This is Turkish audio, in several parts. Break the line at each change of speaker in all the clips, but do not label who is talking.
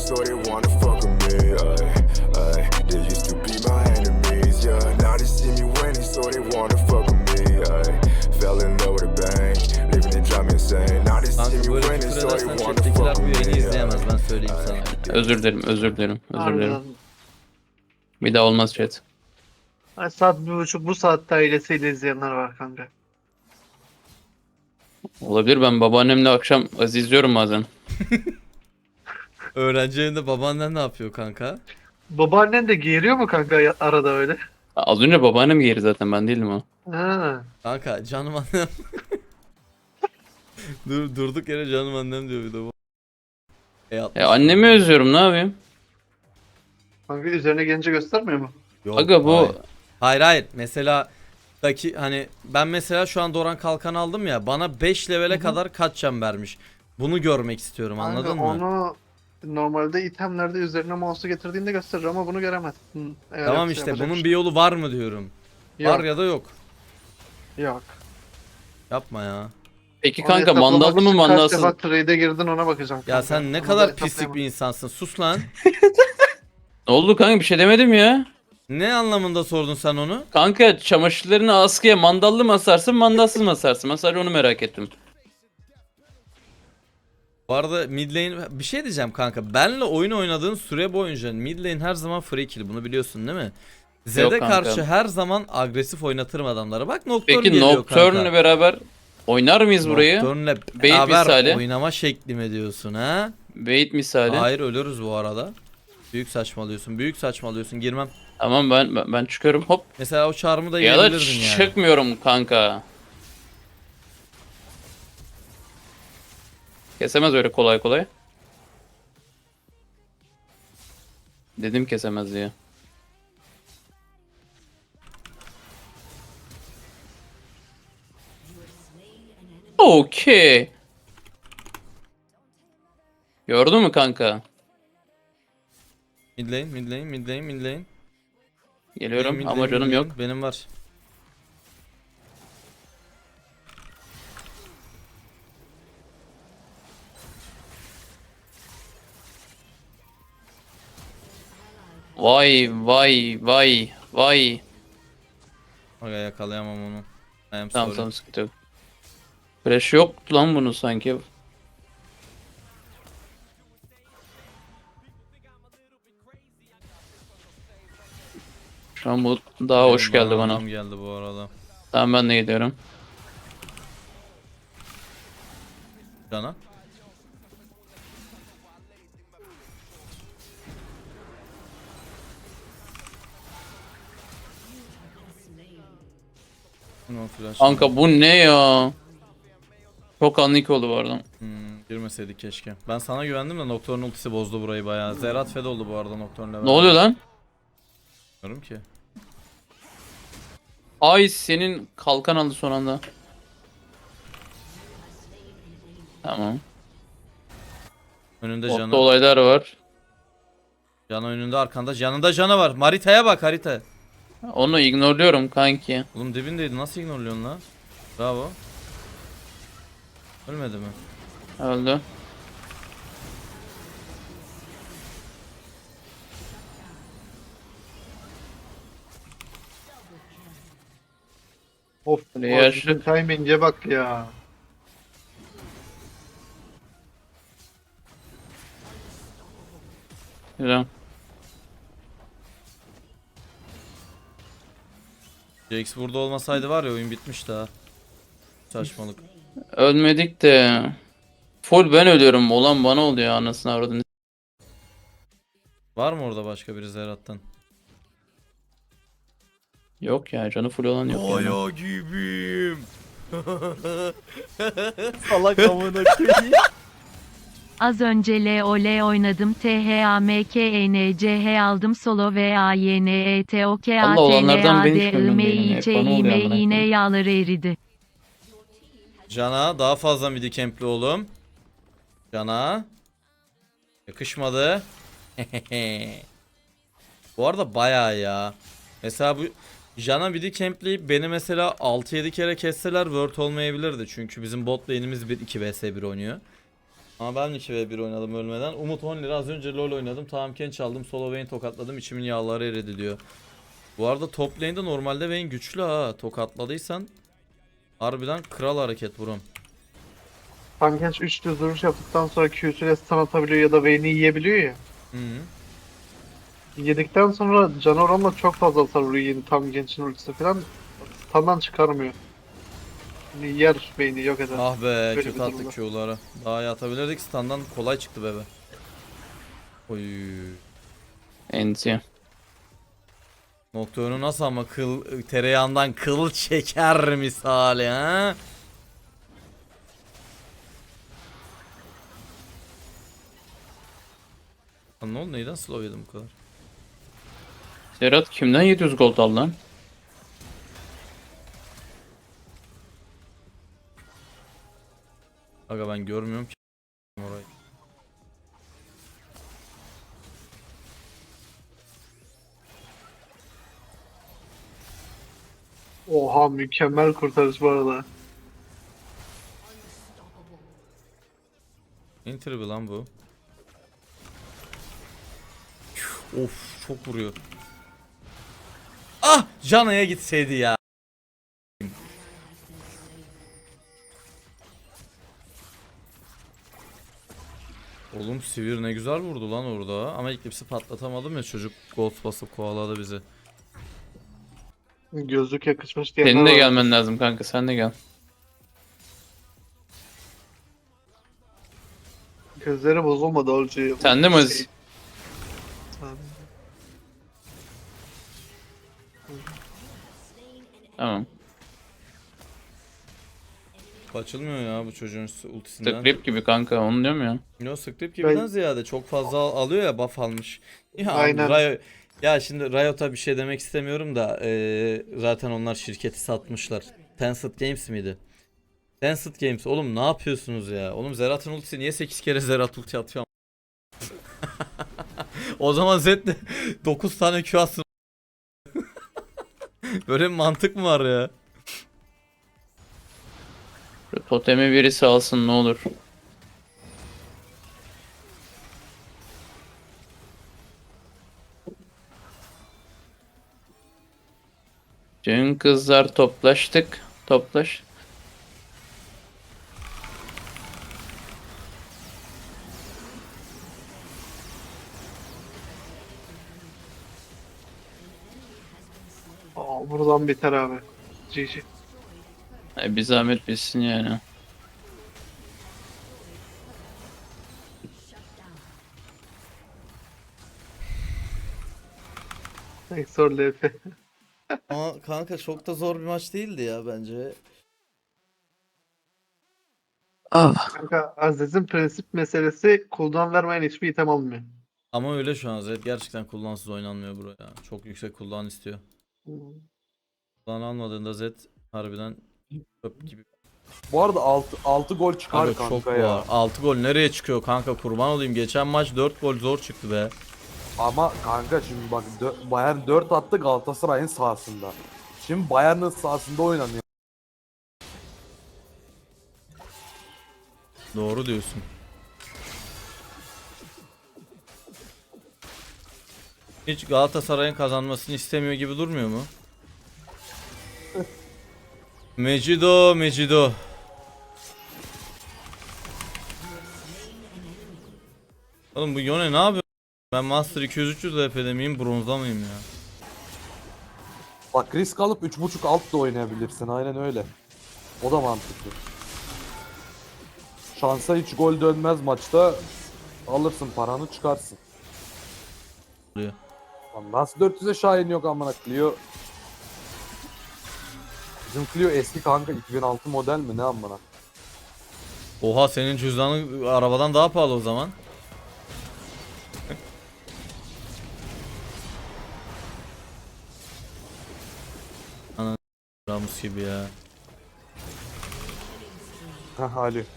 so they wanna fuck with me. They used to be my enemies, yeah. Now they see me winning, so they wanna fuck with me. Fell in love with a bang, living it drive me insane. Now they see
Kanka
me
böyle
winning,
küfür
so they
edersen
wanna
chat'tekiler
fuck
bu
with
yayını
me.
izleyemez, ben söyleyeyim sana.
Özür dilerim, özür dilerim, özür dilerim.
Harbiden.
Bir daha olmaz chat.
Ay, saat 1.30 bu saatte ailesiyle izleyenler var kanka.
Olabilir, ben babaannemle akşam izliyorum bazen.
Öğrenci evinde babaannen ne yapıyor kanka?
Babaannen de geğiriyor mu kanka arada öyle?
Az önce babaannem geri zaten, ben değildim o.
Ha.
Kanka canım annem. Durduk yere canım annem diyor bir de bu.
Annemi özlüyorum, ne yapayım?
Kanka üzerine gelince göstermiyor mu?
Yok,
Aga bu
hayır. Mesela hani ben mesela şu an Doran Kalkan aldım ya, bana 5 levele kadar kaç can vermiş. Bunu görmek istiyorum,
Kanka
anladın mı?
onu normalde itemlerde üzerine mouse'u getirdiğinde gösterir ama bunu göremezsin. Eğer
Tamam
yoksa
işte
yapacak
bunun
bir
bir yolu var mı diyorum.
şey yok.
Var ya da yok.
Yok.
Yapma ya.
peki
Onu
kanka,
hesaplamak
mandallı mı
için
mandalsız?
Kaç defa trade'e girdin ona bakacağım
Ya
kanka.
sen ne
Onu da
kadar pislik
hesaplayamam.
bir insansın. Sus lan.
Ne oldu kanka, bir şey demedim ya.
Ne anlamında sordun sen onu?
Kanka çamaşırlarını askıya mandallı mı asarsın, mandalsız mı asarsın? Ben sadece onu merak ettim.
Bu arada mid lane bir şey diyeceğim kanka. Benle oyun oynadığın süre boyunca mid lane her zaman free kill. Bunu biliyorsun değil mi? Zed'e
kanka.
karşı her zaman agresif oynatırım adamlara. Bak Nocturne
Peki
geliyor
Nocturne'le
kanka.
beraber oynar mıyız burayı?
Nocturne'le
Bait
beraber
misali.
oynama şekli mi diyorsun ha?
Bait misali.
Hayır, ölürüz bu arada. Büyük saçmalıyorsun. Büyük saçmalıyorsun. Girmem.
Tamam, ben çıkıyorum, hop.
Mesela o çarmı da
Ya da
yiyebilirdin yani.
çıkmıyorum kanka. Kesemez öyle kolay kolay. Dedim kesemez diye. Okey. Gördün mü kanka?
Mid lane, mid lane, mid lane, mid lane.
Geliyorum
Mid
ama
lane,
canım
mid
yok.
lane. Benim var.
Vay vay vay vay.
Aga yakalayamam onu. I am
Tamam
sorry.
tamam, sıkıntı yok. Flash yoktu lan bunun sanki. Şu an bu daha hoş
Benim
geldi bana.
adam geldi bu arada.
Tamam, ben de gidiyorum.
Cana. No flash.
Kanka bu ne ya? Çok anlık oldu bu arada.
Girmeseydik keşke. Ben sana güvendim de Nocturne ultisi bozdu burayı bayağı. Zerat fed oldu bu arada Nocturne'le.
Ne oluyor lan?
Bilmiyorum ki.
Ay, senin kalkan aldı son anda. Tamam.
Önünde
Botta
canı.
olaylar var.
Canı önünde, arkanda. Yanında canı var. Haritaya bak, harita.
Onu ignorluyorum kanki.
Oğlum dibindeydi. Nasıl ignorluyorsun lan? Bravo. Ölmedi mi?
Öldü.
Of.
Yaşlı.
Timing'e bak ya.
Güzel.
Jax burada olmasaydı var ya, oyun bitmişti ha. Saçmalık.
Ölmedik de. Full ben ölüyorum. Olan bana oluyor, anasını avradını.
Var mı orada başka biri Zerat'tan?
Yok ya, canı full olan yok yani.
Kaya gibiyim.
Salak amına koyayım.
Az önce LoL oynadım. THAMKNCH aldım solo ve
Allah olanlardan ben hiç memnun değilim ya. Hep bana oluyor amına
yine
koyayım.
yağları eridi.
Cana daha fazla midi campli oğlum. Cana. Yakışmadı. Bu arada bayağı ya. Mesela bu Jana midi campleyip beni mesela 6-7 kere kesseler word olmayabilirdi. Çünkü bizim bot lane'imiz 1-2 vs 1 oynuyor. Ama ben 2v1 oynadım ölmeden. Umut 10 lira az önce LoL oynadım. Tamam çaldım. Solo Vayne tokatladım. İçimin yağları eridi diyor. Bu arada top lane'de normalde Vayne güçlü ha. Tokatladıysan harbiden kral hareket buram.
Tankenç 3 düz duruş yaptıktan sonra Q'süyle stun atabiliyor ya da Vayne'i yiyebiliyor ya.
Hı -hı.
Yedikten sonra can oranla çok fazla hasar vuruyor yeni Tankenç'in ultisi falan. Stun'dan çıkarmıyor. Yani yer Vayne'i yok eder.
Ah be
Böyle
kötü
bir
attık
durumda.
Q'ları. Daha iyi atabilirdik. Standan kolay çıktı bebe. Oy.
Enti.
Nocturne'u nasıl ama tereyağından kıl çeker misali ha? Lan ne oldu, neyden slow yedim bu kadar?
Serhat kimden 700 gold al lan?
Aga ben görmüyorum ki orayı.
Oha mükemmel kurtarış bu arada.
Interview lan bu. Of çok vuruyor. Ah Jana'ya gitseydi ya. Oğlum Sivir ne güzel vurdu lan orada. Ama Eclipse'i patlatamadım ya, çocuk ghost basıp kovaladı bizi.
Gözlük yakışmış diyenler
Senin de
var.
gelmen lazım kanka, sen de gel.
Gözleri bozulmadı Olcu.
Sen de mi Aziz? Tamam.
Açılmıyor ya bu çocuğun ultisinden.
Script gibi kanka, onu diyorum ya.
Yo script gibiden
Ben-
ziyade çok fazla alıyor ya, buff almış. Ya
Aynen.
ya şimdi Riot'a bir şey demek istemiyorum da zaten onlar şirketi satmışlar. Tencent Games miydi? Tencent Games oğlum ne yapıyorsunuz ya? Oğlum Zerat'ın ultisi niye 8 kere Zerat ulti atıyor? O zaman Zed de 9 tane Q atsın. Böyle bir mantık mı var ya?
Şu totemi birisi alsın ne olur. Dün kızlar toplaştık. Toplaş.
Aa, buradan biter abi. GG.
Bir zahmet bilsin yani.
Exor LF.
Ama kanka çok da zor bir maç değildi ya bence.
Kanka Aziz'in prensip meselesi cooldown vermeyen hiçbir item almıyor.
Ama öyle şu an Zed gerçekten cooldown'suz oynanmıyor buraya. Çok yüksek cooldown istiyor. Cooldown almadığında Zed harbiden çöp gibi.
Bu arada 6 gol çıkar
Kanka
kanka,
çok
ya.
var. 6 gol nereye çıkıyor kanka, kurban olayım. Geçen maç 4 gol zor çıktı be.
Ama kanka şimdi bak Bayern 4 attı Galatasaray'ın sahasında. Şimdi Bayern'in sahasında oynanıyor.
Doğru diyorsun. Hiç Galatasaray'ın kazanmasını istemiyor gibi durmuyor mu? Mecido. Oğlum bu Yone ne yapıyor? Ben Master 200-300 LP'de miyim, bronzda mıyım ya?
Bak risk alıp 3.5 alt da oynayabilirsin, aynen öyle. O da mantıklı. Şansa hiç gol dönmez maçta. Alırsın paranı çıkarsın.
Oluyor.
Lan nasıl 400'e Şahin yok amına Clio. Bizim Clio eski kanka, 2006 model mi ne amına.
Oha senin cüzdanın arabadan daha pahalı o zaman. Ana Ramus gibi ya.
Heh Ali.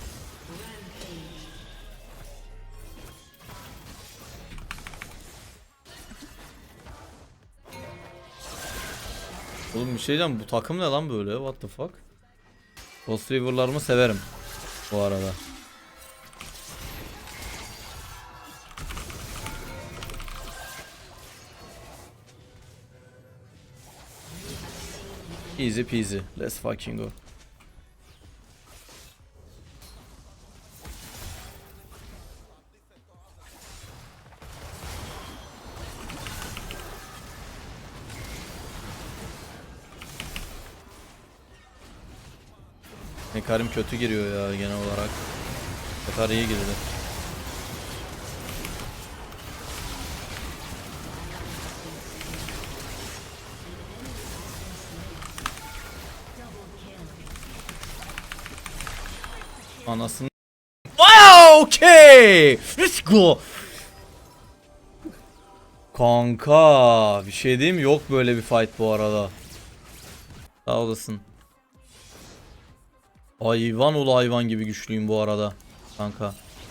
Oğlum bir şey diyeceğim, bu takım ne lan böyle, what the fuck? Ghost River'larımı severim bu arada. Easy peasy. Let's fucking go. Hekarim kötü giriyor ya genel olarak. Hekar iyi girdi. Anasını. Wow, okay. Let's go. Kanka, bir şey diyeyim mi? Yok böyle bir fight bu arada. Sağ olasın. Hayvan ol hayvan gibi güçlüyüm bu arada. Kanka.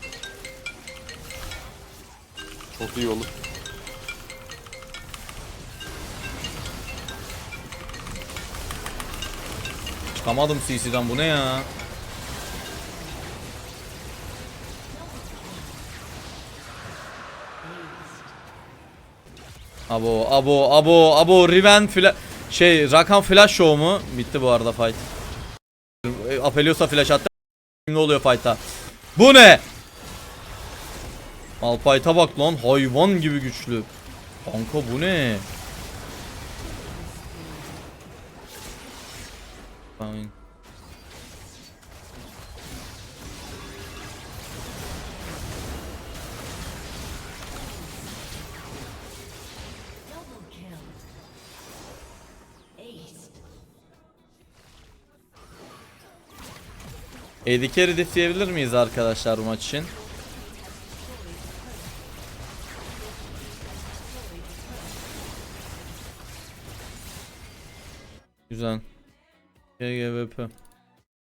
Çok iyi olur.
Çıkamadım CC'den, bu ne ya? Abo Riven Rakan flash show mu? Bitti bu arada fight. Apelios'a flash attı. Ne oluyor fight'ta? Bu ne? Malphite'a bak lan, hayvan gibi güçlü. Kanka bu ne? Fine. AD carry diffleyebilir miyiz arkadaşlar bu maç için? Güzel. GGVP.